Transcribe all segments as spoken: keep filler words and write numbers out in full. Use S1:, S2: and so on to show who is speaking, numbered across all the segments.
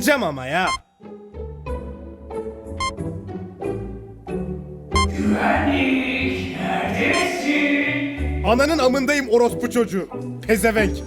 S1: Geberteceğim ama ya.
S2: Güvenlik, neredesin?
S1: Ananın amındayım orospu çocuğu. Pezevenk.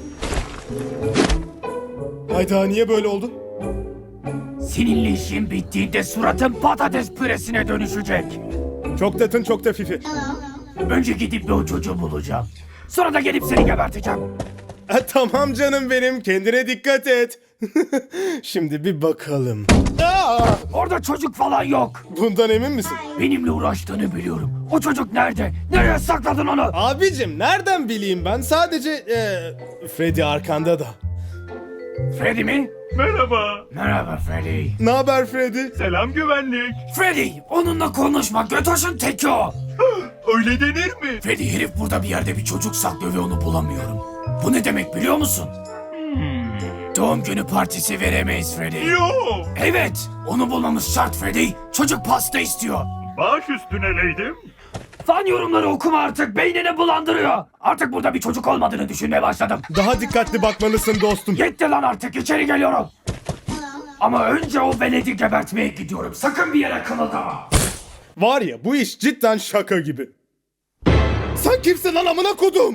S1: Hayda, niye böyle oldu?
S2: Seninle işin bittiğinde suratın patates püresine dönüşecek.
S1: Çok tatın çok da fifi.
S2: Önce gidip bir o çocuğu bulacağım. Sonra da gelip seni geberteceğim.
S1: E, tamam canım benim, kendine dikkat et. Şimdi bir bakalım. Aa!
S2: Orada çocuk falan yok.
S1: Bundan emin misin?
S2: Benimle uğraştığını biliyorum. O çocuk nerede? Nereye sakladın onu?
S1: Abicim nereden bileyim ben, sadece e, Freddy arkanda da.
S2: Freddy mi?
S3: Merhaba.
S2: Merhaba Freddy.
S1: Ne haber Freddy?
S3: Selam güvenlik.
S2: Freddy, onunla konuşma. Götoş'un teki o.
S3: Öyle denir mi?
S2: Freddy, herif burada bir yerde bir çocuk saklıyor ve onu bulamıyorum. Bu ne demek biliyor musun? Doğum günü partisi veremeyiz Freddy.
S3: Yo.
S2: Evet, onu bulmamız şart Freddy. Çocuk pasta istiyor.
S3: Baş üstüne leydim.
S2: Fan yorumları okuma artık, beynini bulandırıyor. Artık burada bir çocuk olmadığını düşünmeye başladım.
S1: Daha dikkatli bakmalısın dostum.
S2: Yetti lan artık, içeri geliyorum. Ama önce o veledi gebertmeye gidiyorum. Sakın bir yere kımıldama.
S1: Var ya, bu iş cidden şaka gibi. Sen kimsin lan amına kodum?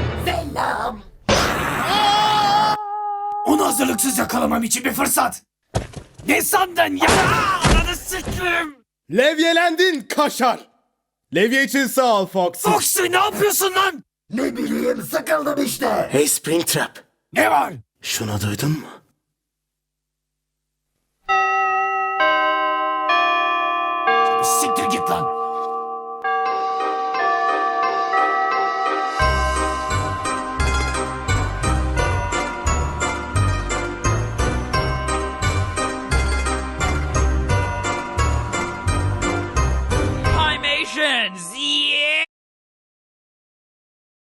S2: Onu hazırlıksız yakalamam için bir fırsat. Ne sandın ya? Ananı sikeyim.
S1: Levyelendin kaşar. Levye için sağ ol Fox.
S2: Foxy, ne yapıyorsun lan?
S4: Ne bileyim, sıkıldım işte.
S1: Hey Springtrap.
S2: Ne var?
S1: Şunu duydun mu?
S2: Siktir git lan.